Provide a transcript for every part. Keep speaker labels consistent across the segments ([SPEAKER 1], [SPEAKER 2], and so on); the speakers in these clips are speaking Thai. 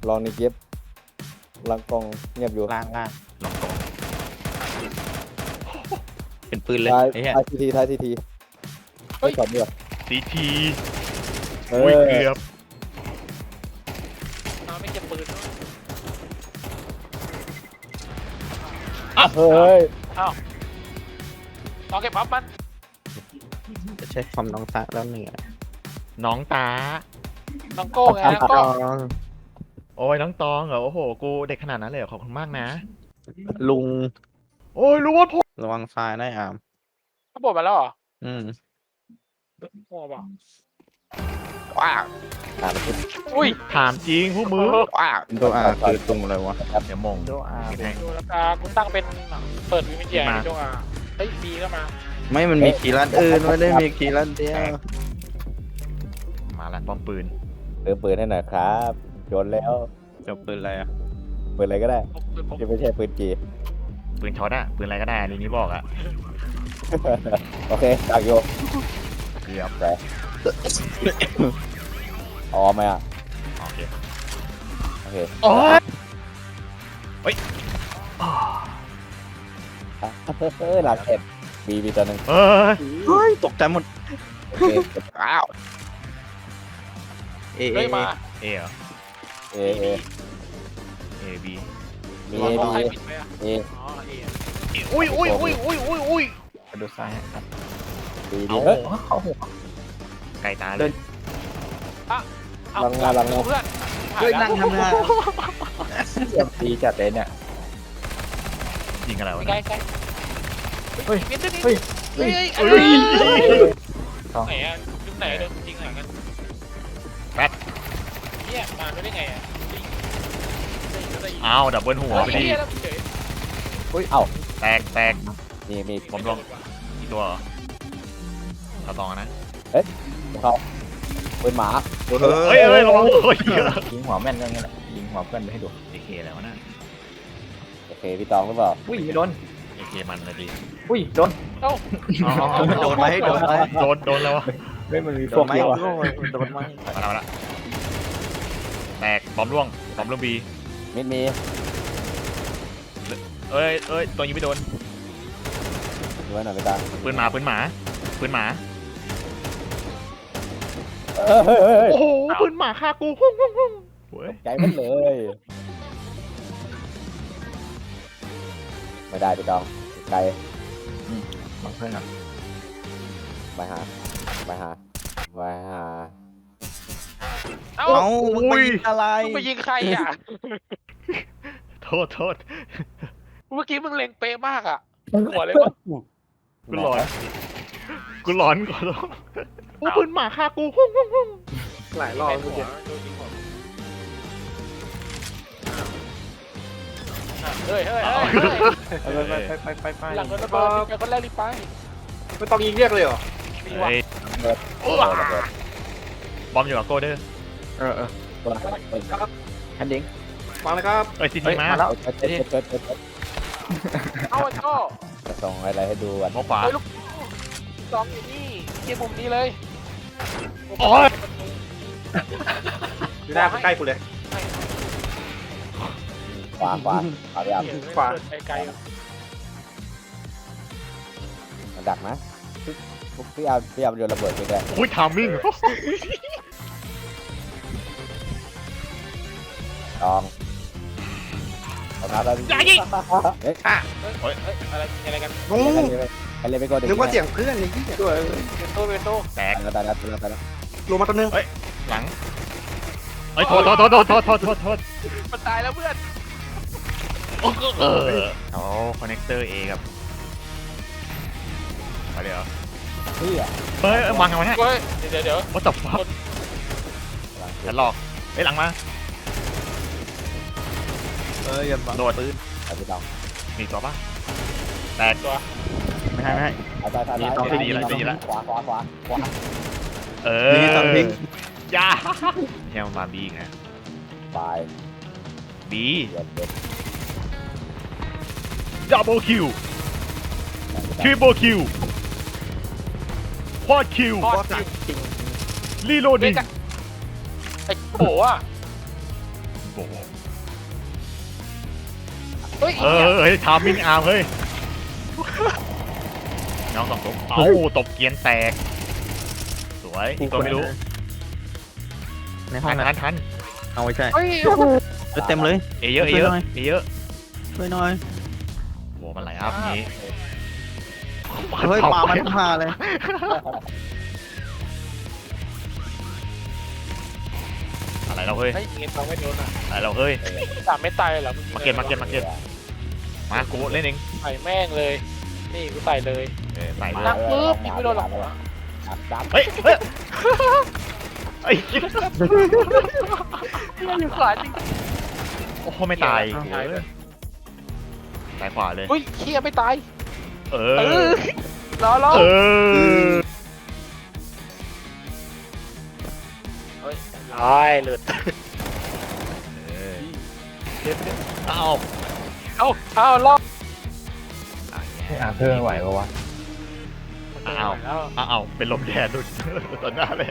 [SPEAKER 1] ลองในเก็บลังกองเงียบอยู่
[SPEAKER 2] ล่าง
[SPEAKER 3] ลองตรงเป็นปืนเลย
[SPEAKER 1] ท้าย
[SPEAKER 3] ไอ้เหี้ย
[SPEAKER 1] ท้ายทีไม่ตอบเดียว
[SPEAKER 3] ซีที
[SPEAKER 1] เอ
[SPEAKER 3] อุ้ย
[SPEAKER 1] อ
[SPEAKER 3] เกือบ
[SPEAKER 4] ไม่เก็บปืนด้วย
[SPEAKER 1] เฮ้ย
[SPEAKER 4] ลองเก็บปั๊บมัน
[SPEAKER 2] จะใช้ความน้องตาแล้วเหนื่อย
[SPEAKER 3] น้องตา
[SPEAKER 4] น้องโก้ไงน้องโก้
[SPEAKER 3] โอ้ยน้องตองเหรอโอ้โหกูเด็กขนาดนั้นเลยเหรอขอบคุณมากนะ
[SPEAKER 2] ลุง
[SPEAKER 3] โอ้ยรู้ว่าพ่อ
[SPEAKER 2] ระวังซ้ายได้อาม
[SPEAKER 4] เขาบอกมาแล้วเหรอ
[SPEAKER 2] อืม
[SPEAKER 4] โง่เปล่า
[SPEAKER 2] ว้าว
[SPEAKER 1] อ่านคิด
[SPEAKER 4] อุ้ย
[SPEAKER 3] ถามจริงพวกมึง
[SPEAKER 2] ว้าวตัวอาคือตรงอะไรวะ
[SPEAKER 3] เดี๋ยวมง
[SPEAKER 2] ตัวอา
[SPEAKER 3] ให้
[SPEAKER 4] ดูราคากูตั้งเป็นเปิดวิมิเดียในช่วงเฮ้ยบีก็มา
[SPEAKER 2] ไม่มันมีคีย์ลัดอื่นไม่ได้มีคีย์ลัดเดียว
[SPEAKER 3] มาละป้อมปืน
[SPEAKER 1] ปืนให้หน่อยครับโยนแล้ว
[SPEAKER 2] จะปืนอะไรอ่ะ
[SPEAKER 1] ปืนอะไรก็ได้
[SPEAKER 4] ปืนผม
[SPEAKER 1] ที่ไม่ใช่ปืนจี
[SPEAKER 3] ปืนช็อตอะปืนอะไรก็ได้อันนี้บอกอะ
[SPEAKER 1] โอเคดักโย
[SPEAKER 3] เกือบ
[SPEAKER 1] อ๋อไหมอ่ะ
[SPEAKER 3] โอเค
[SPEAKER 1] โอเค
[SPEAKER 3] โอ้ย
[SPEAKER 1] หลักเอ็ดบีตัวหนึ่ง
[SPEAKER 3] เอ้ย
[SPEAKER 2] เฮ้ยตกใจหมด
[SPEAKER 1] โอเค
[SPEAKER 2] ว้าวเอ
[SPEAKER 4] เฮ้ยมา
[SPEAKER 3] เอเหรอ
[SPEAKER 1] เอ
[SPEAKER 3] เอบี
[SPEAKER 1] มี
[SPEAKER 4] วาง
[SPEAKER 1] เอ
[SPEAKER 4] ใคร
[SPEAKER 1] บี
[SPEAKER 4] ปิดไหมอ่ะ
[SPEAKER 1] เอ
[SPEAKER 4] อ๋อเอ
[SPEAKER 3] อุ้ยอุ้ยอุ้ยอุ้ยอุ้ยอุ้ย
[SPEAKER 2] กระดูกซ้ายครับ
[SPEAKER 1] บี
[SPEAKER 3] เอา
[SPEAKER 1] เฮ้ย
[SPEAKER 2] เขาหัว
[SPEAKER 3] ไก่ตาเลย
[SPEAKER 4] เอา
[SPEAKER 1] ลังงาลังงา
[SPEAKER 4] เพื่อน
[SPEAKER 2] เฮ้ยนั่งทำงาน
[SPEAKER 1] ดีจัดเลยเนี่ย
[SPEAKER 3] ยิงอะไรวะ
[SPEAKER 4] ใกล้
[SPEAKER 3] เนี่ย
[SPEAKER 4] ใกล้
[SPEAKER 1] เฮ้ย
[SPEAKER 4] เฮ้ย
[SPEAKER 1] เฮ้ย
[SPEAKER 4] เฮ้ย
[SPEAKER 3] เฮ้ย
[SPEAKER 4] ไหนอ่ะยุคไหนโดนจริงไหนกัน
[SPEAKER 3] แป๊ด
[SPEAKER 4] เนี่ยมาได้ไงอ่ะ
[SPEAKER 3] อ้าวดับเบิลหัวไปดิ
[SPEAKER 4] เฉย
[SPEAKER 1] เฮ้ยเอ้า
[SPEAKER 3] แตก
[SPEAKER 1] มี
[SPEAKER 3] ผมลองอีกตัวเหรอเอาตองนะ
[SPEAKER 1] เขาปืนหมา
[SPEAKER 3] เฮ้ยเฮ้ยระวังโอ้ย
[SPEAKER 2] ยิงหัวแม่นก็งี้แหละยิงหัวเพื่อนไปให้ดู
[SPEAKER 3] เอเคแล้วนะ
[SPEAKER 1] โอเคพี่ตองหรือเปล่า
[SPEAKER 2] อุ้ยไม่โดน
[SPEAKER 3] เอเคมันเลยดิ
[SPEAKER 2] อุ้ยโดน
[SPEAKER 4] เอ้า
[SPEAKER 2] โดนไหมโดนไหม
[SPEAKER 3] โดนแล้ววะ
[SPEAKER 1] ไม่มันมี
[SPEAKER 2] โด
[SPEAKER 1] พวน ก
[SPEAKER 2] ไหม
[SPEAKER 1] เยอะ
[SPEAKER 2] โดนไหม
[SPEAKER 3] มาละแตกบอมร่วงบอมร่วงบี
[SPEAKER 1] มิดมี
[SPEAKER 3] เอ้ยตัวยิงไม่โดน
[SPEAKER 1] ดูไว้หน่อยพี่ตา
[SPEAKER 3] ปืนหมา
[SPEAKER 1] เฮ้ย
[SPEAKER 3] โอ้โหปืนหมาฆ่ากูหุ่งเว้ย
[SPEAKER 1] ใจมันเลยไม่ได้พี่ตองไกล
[SPEAKER 2] บอกเพื่อนก่อน
[SPEAKER 1] ไปหา
[SPEAKER 4] เอ้า
[SPEAKER 2] เอ้ามึงไปยิงอะไร
[SPEAKER 4] มึงไปยิงใครอ่ะ
[SPEAKER 3] โทษ
[SPEAKER 4] เมื่อกี้มึงเล็งเป๊ะมากอ่ะหัวเลยมั้ง
[SPEAKER 3] กูหลอนก่อนโอ้ปืนหมาฆ่ากูหุ่ง
[SPEAKER 2] หลายรอบ
[SPEAKER 4] หัวโดนยิงหัวเฮ้ย
[SPEAKER 2] ไป
[SPEAKER 4] หลังโดนระเบิดเป็นคนแรกรีบไป
[SPEAKER 2] ไม่ต้องยิงเรียกเลยเหรอ
[SPEAKER 4] มีว่ะ
[SPEAKER 3] เฮ้ย
[SPEAKER 1] โอ้ระเบิด
[SPEAKER 3] บอมอยู่กับโกเด้อ
[SPEAKER 2] เออ
[SPEAKER 1] ตัวนั้น
[SPEAKER 2] ฮันดิงมาเลยครับ
[SPEAKER 3] เอ้ยซีทีมา
[SPEAKER 2] แล้ว
[SPEAKER 1] เปิด
[SPEAKER 4] เอาไอ้โจ้
[SPEAKER 1] จะส่งอะไรให้ดูกัน
[SPEAKER 3] มองขวา
[SPEAKER 4] เฮ้ยลูกซองอยู่นี่เกียร์มุมนี้เลย
[SPEAKER 3] โอ้ย
[SPEAKER 2] อยู่หน้าใกล้กูเลย
[SPEAKER 1] ขวาพี่อาร์ม
[SPEAKER 4] ขวาไกล
[SPEAKER 1] มันดักนะพี่อาร์มโยนระเบิดไปแก
[SPEAKER 3] อุ้ยทามมิ่ง
[SPEAKER 1] ตองเอาน้ำแล้ว
[SPEAKER 3] อย่ายิง
[SPEAKER 1] เฮ้ย
[SPEAKER 4] เฮ้ยอะไรกัน
[SPEAKER 2] งู
[SPEAKER 1] ไปเลยไปก่อน
[SPEAKER 2] นึกว่าเสียงเพื่อนเลยที่ด้วย
[SPEAKER 4] เวนโต้
[SPEAKER 3] แตก
[SPEAKER 1] ตายแล้ว
[SPEAKER 2] ลงมาตัวนึง
[SPEAKER 3] หลังเอ้ยโทษ
[SPEAKER 4] มันตายแล้วเพื่อน
[SPEAKER 3] เอาคอนเนคเตอร์เอกับเดี๋ยว
[SPEAKER 1] พี่อ่ะ
[SPEAKER 3] เฮ้ยวางเอาไว้ฮะ
[SPEAKER 4] เฮ้ยเดี๋ยว
[SPEAKER 3] what the fuck ฉันหลอกเฮ้ยหลังมา
[SPEAKER 2] อย่าบัง
[SPEAKER 3] โดด
[SPEAKER 2] ปืน
[SPEAKER 1] เอาพี่ตอง
[SPEAKER 3] มีตัวปะแตก
[SPEAKER 4] ตัว
[SPEAKER 3] ไม่ใช่
[SPEAKER 1] เอาตายขวา
[SPEAKER 3] เอ
[SPEAKER 2] ยิงตอนพิง
[SPEAKER 3] ยาแค่มาบีไง
[SPEAKER 1] ตาย
[SPEAKER 3] บี
[SPEAKER 1] เด็ด
[SPEAKER 3] ดับเบิลคิวทริปเปิลคิวควอดคิว
[SPEAKER 4] ทอด
[SPEAKER 2] ก็จริง
[SPEAKER 3] รีโหล
[SPEAKER 4] เด็
[SPEAKER 3] ดิ้
[SPEAKER 4] ก
[SPEAKER 3] ง
[SPEAKER 4] ไอ้โบอ่ะ
[SPEAKER 3] โบโห
[SPEAKER 4] เฮ้ย
[SPEAKER 3] เฮ้ยทามิ่งอาร์มเฮ้ยน้องสองตัวเอ้าตบเกียนแตกสวยอีกตัวไม่รู้
[SPEAKER 5] ในห้อ
[SPEAKER 3] ทั
[SPEAKER 5] ง
[SPEAKER 3] น
[SPEAKER 5] นะ
[SPEAKER 3] ทัน
[SPEAKER 5] เอาไว้ใช่
[SPEAKER 4] เฮ้ยโอ้โห
[SPEAKER 5] เต็มเลย
[SPEAKER 3] เอเยอะเอเยอะเอเยอะ
[SPEAKER 5] ช่วยหน่อย
[SPEAKER 3] โหมันไหลอัพนี้
[SPEAKER 5] เฮ้ยปลามันมาเลย
[SPEAKER 3] อะไรเราเฮ้ย
[SPEAKER 4] เฮ้ยเงี้ยเราไม่โดนอ่ะ
[SPEAKER 3] อะไรเราเฮ้ย
[SPEAKER 4] สามไม่ตายเหรอ
[SPEAKER 3] มาเก็ตมากูเล่นเอง
[SPEAKER 4] ใส่แม่งเลย นี่กูใส่เลย
[SPEAKER 3] ใส่เลย
[SPEAKER 4] นักปึ๊บยิงไม่โดนหรอก
[SPEAKER 1] ดับ
[SPEAKER 3] เฮ้ยไอ้
[SPEAKER 4] อยู่ขวาจริง
[SPEAKER 3] โอ้โหไม่ตายตายขวาเลย
[SPEAKER 4] อุ้ยเคียไม่ตาย
[SPEAKER 3] เอ
[SPEAKER 4] เอ
[SPEAKER 3] อ
[SPEAKER 4] อรอ
[SPEAKER 3] เออ
[SPEAKER 4] เฮ้ยร้ายหลุด
[SPEAKER 3] เอ้า
[SPEAKER 4] เอารอบ
[SPEAKER 1] อาเธอร์ไหวปะวะ
[SPEAKER 3] อ้าวเป็นลมแดดดุดตอนหน้าเลย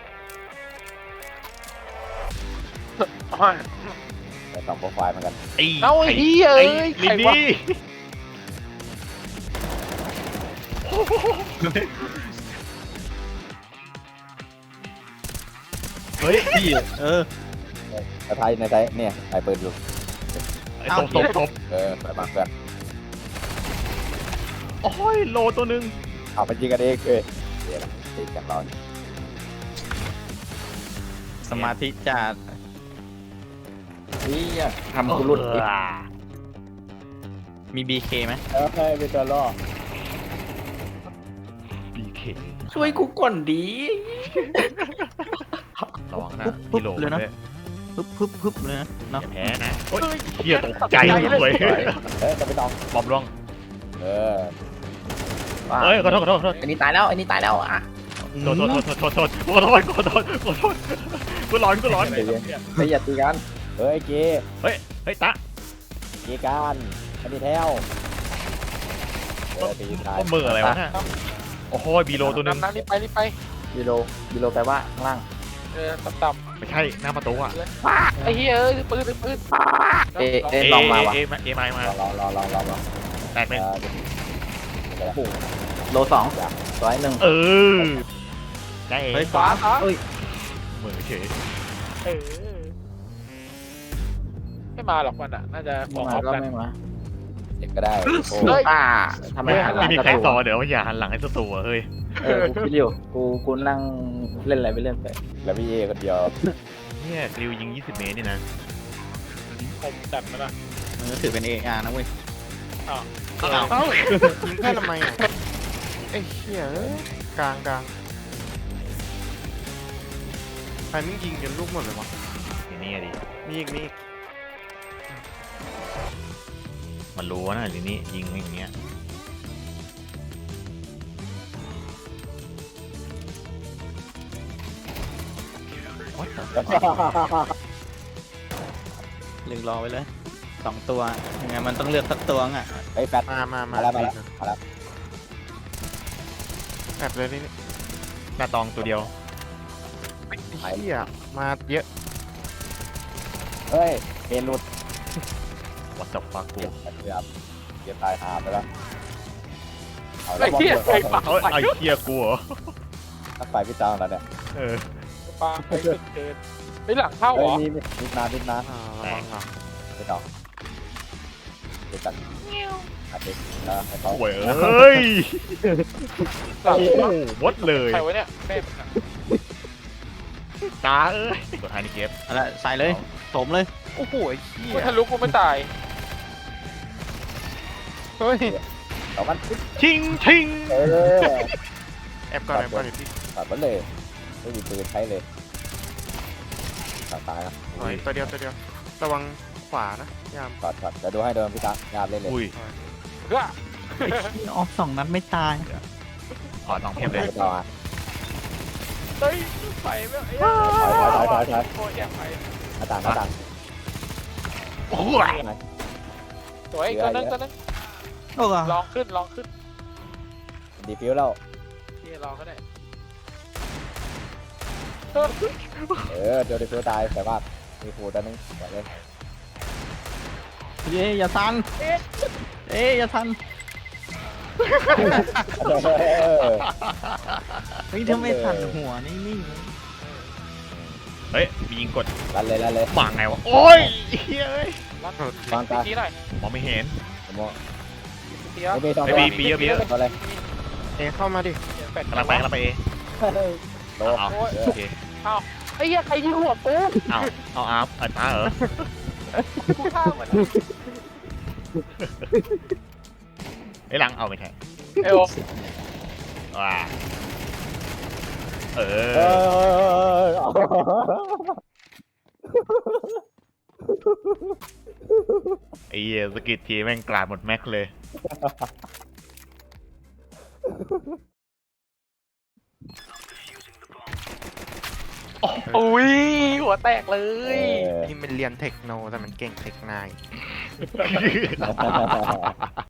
[SPEAKER 1] แต่สองโปรไฟล์เหมือนกัน
[SPEAKER 4] เอาไอ้เหี้ยเอ้ย
[SPEAKER 3] ลิ
[SPEAKER 4] ใคร
[SPEAKER 3] น
[SPEAKER 4] วะ
[SPEAKER 3] นี่
[SPEAKER 5] เฮ้ยพี่
[SPEAKER 1] ในไทยเนี่ยไทยเปิดอยู่
[SPEAKER 3] ไอ้ตบ
[SPEAKER 1] ไปบังแบบ
[SPEAKER 3] โอ้ยโลตัวนึง
[SPEAKER 1] เอาไปยิงกันเองเดี๋ยวติดกันร้อน
[SPEAKER 5] สมาธิจัด
[SPEAKER 1] นี่ทำกูหลุดอีก
[SPEAKER 5] มี BK ไหม
[SPEAKER 1] ให้เป็นตัวล่อ
[SPEAKER 3] บีเค
[SPEAKER 5] ช่วยกูก่อนดี
[SPEAKER 3] ระวังนะกิโลเลยนะ
[SPEAKER 5] พึบเลยนะเนาะ
[SPEAKER 3] แพ้นะโอ้ยเฮียตกใจเลย
[SPEAKER 1] จะไปต้อง
[SPEAKER 3] บอมร่วง
[SPEAKER 1] เออ
[SPEAKER 3] เฮ้ยขอโทษ
[SPEAKER 5] อันนี้ตายแล้วอ่ะ
[SPEAKER 3] โทษกูร้อน
[SPEAKER 1] ไม่อย่าตีกันเฮ้ยเก
[SPEAKER 3] เฮ้ยตะ
[SPEAKER 1] เกกันอันนี้แถวตีตาย
[SPEAKER 3] ก็มืออะไรวะเนี่ยโอ้โหบีโลตัวนึง
[SPEAKER 4] น้ำรีบไป
[SPEAKER 1] กิโลแปลว่าข้างล่าง
[SPEAKER 4] ต่ำ
[SPEAKER 3] ไม่ใช่หน้าประตูอ่ะ
[SPEAKER 4] ไอ้เหี้ยเอ้ยปืน
[SPEAKER 5] ลองมาวะ
[SPEAKER 3] เอมา
[SPEAKER 1] รอ
[SPEAKER 3] แตกหนึ่ง
[SPEAKER 5] โล2
[SPEAKER 3] เออได้
[SPEAKER 5] เฮ้ย
[SPEAKER 4] ขวา
[SPEAKER 3] มือเฉย
[SPEAKER 4] เออไม่มาหรอกมันอ่ะน่าจะของออฟกัน
[SPEAKER 1] เด็กก็ได้โอ้
[SPEAKER 4] เฮ้ย
[SPEAKER 5] ทำไมหันหลั
[SPEAKER 3] ไม่
[SPEAKER 5] ง
[SPEAKER 3] มีใครสอนเดี๋ยวอย่าหันหลังให้ศัตรูเฮ้ย
[SPEAKER 5] กูคิดอยู่กูนั่งเล่นอะไรไปเล่นไป
[SPEAKER 1] แล้วพี่เอคนเดียว
[SPEAKER 3] เนี่ยกริวยิง20 เมตรนี่นะ
[SPEAKER 4] ผมจัดมาละ
[SPEAKER 5] มันก็ถือเป็น AR นะเว้ย
[SPEAKER 3] อ้าว
[SPEAKER 2] ยิงแค่ทำไมอ่ะไอ้เหี้ยกลางใครมึงยิงจนลูกหมดเลยวะ
[SPEAKER 3] นี่ดิ
[SPEAKER 2] มีอีก
[SPEAKER 3] มันรู้นะหรือนี่ยิงอย่างเงี้ย
[SPEAKER 5] ลึงรอไว้เลย2ตัวยังไงมันต้องเลือกสักตัวอ่ะ
[SPEAKER 1] ไอ้แฟต
[SPEAKER 2] มา
[SPEAKER 1] แล้ว
[SPEAKER 2] แบบเลยนี่
[SPEAKER 3] หน้าตองตัวเดียว
[SPEAKER 2] ไอ้เหี้ยมาเยอะ
[SPEAKER 1] เฮ้ยเกนหลุด
[SPEAKER 3] วัดจับฟักกู
[SPEAKER 1] เก็บตายหาไปแล้ว
[SPEAKER 4] ไอ้เหี้ยไอ้ปลา
[SPEAKER 3] เอ้ยไอ้เฮียกูเหรอ
[SPEAKER 1] ถ้าไปพี่ตามแล้วเนี่ย
[SPEAKER 3] เออ
[SPEAKER 4] ปลาไปเกินไปหลังเข้าเหรอ
[SPEAKER 1] มีนาไม่ต้องเดี๋ยวจัดอาทิตย์แล้วให้เขา
[SPEAKER 3] โว้ยเฮ้ย
[SPEAKER 4] หลัง
[SPEAKER 3] โอ้โหวดเลย
[SPEAKER 4] ใครวะเนี่ยแม่มันอะ
[SPEAKER 3] ตาเอ้ยตัวท้ายนี่เก็บ
[SPEAKER 5] เอาละใส่เลยโถมเลย
[SPEAKER 2] โอ้โหไอ้เหี้ย
[SPEAKER 4] กูทะลุกูไม่ตาย
[SPEAKER 2] เฮ้ย
[SPEAKER 1] ต่อมัน
[SPEAKER 3] ชิง
[SPEAKER 1] เออ
[SPEAKER 2] แอบก่อนเดี๋ยวพี่
[SPEAKER 1] ตัดมันเลยไม่มีปืนใช้เลยตายนะ
[SPEAKER 2] หน่อยตัวเดียวระวังขวานะยาม
[SPEAKER 1] ถอดเดี๋ยวดูให้เดิมพี่ตางานเล่นเลย
[SPEAKER 3] อุ้ย
[SPEAKER 4] เพื่อ
[SPEAKER 5] ออก2 นัดไม่ตาย
[SPEAKER 3] ขอน้องเพียบเลย
[SPEAKER 1] ต่อ
[SPEAKER 4] เฮ้ยไปไม่ไอ้
[SPEAKER 1] ถอย
[SPEAKER 4] โอ้ยอยากไป
[SPEAKER 1] หน้าต่าง
[SPEAKER 3] โอ้ย
[SPEAKER 4] สวยตัวนึง
[SPEAKER 5] โอ้โห
[SPEAKER 4] ลองขึ้น
[SPEAKER 1] ดีฟิวแล้ว
[SPEAKER 4] นี่ลองก็ได้
[SPEAKER 1] เดี๋ยวดีฟิวตายแต่ว่ามีครูตัวนึงปล่อยเลย
[SPEAKER 5] เย้อย่าทันอย่าทันเฮ้ยถ้าไม่ทันหัวนิ่ง
[SPEAKER 3] เฮ้ยมียิงกด
[SPEAKER 1] ลั่นเลย
[SPEAKER 3] หมาไงวะโอ้ยเฮ้ยเอ้ย
[SPEAKER 4] รับ
[SPEAKER 1] วางตา
[SPEAKER 4] ทีหน่อย
[SPEAKER 3] มองไม่เห็น
[SPEAKER 1] ผมมอง
[SPEAKER 4] ทีเดียว
[SPEAKER 1] ไม่มีสอง
[SPEAKER 3] ไม่
[SPEAKER 1] ตัว
[SPEAKER 3] มีเยอะ
[SPEAKER 1] ตัวเลย
[SPEAKER 2] เอเข้ามาดิ
[SPEAKER 4] เป็ด
[SPEAKER 3] กำลังไปเอ
[SPEAKER 1] โต
[SPEAKER 3] เอาโอเค
[SPEAKER 4] ไอ้เหี้ยใครยิงหัวกู
[SPEAKER 3] เอาอาร์ฟไอ้ป้าเหรอ
[SPEAKER 4] กูฆ่าเหมือน
[SPEAKER 3] ไอ้หลังเอาไม่ใช่
[SPEAKER 4] เอว
[SPEAKER 3] ว้าเอ
[SPEAKER 1] เอ
[SPEAKER 3] อ ไอ้เหี้ยสกิดทีแม่งกลาดหมดแม็กเลย
[SPEAKER 4] อุ้ยหัวแตกเลย
[SPEAKER 2] ที่มันเรียนเทคโนแต่มันเก่งเทคไนน์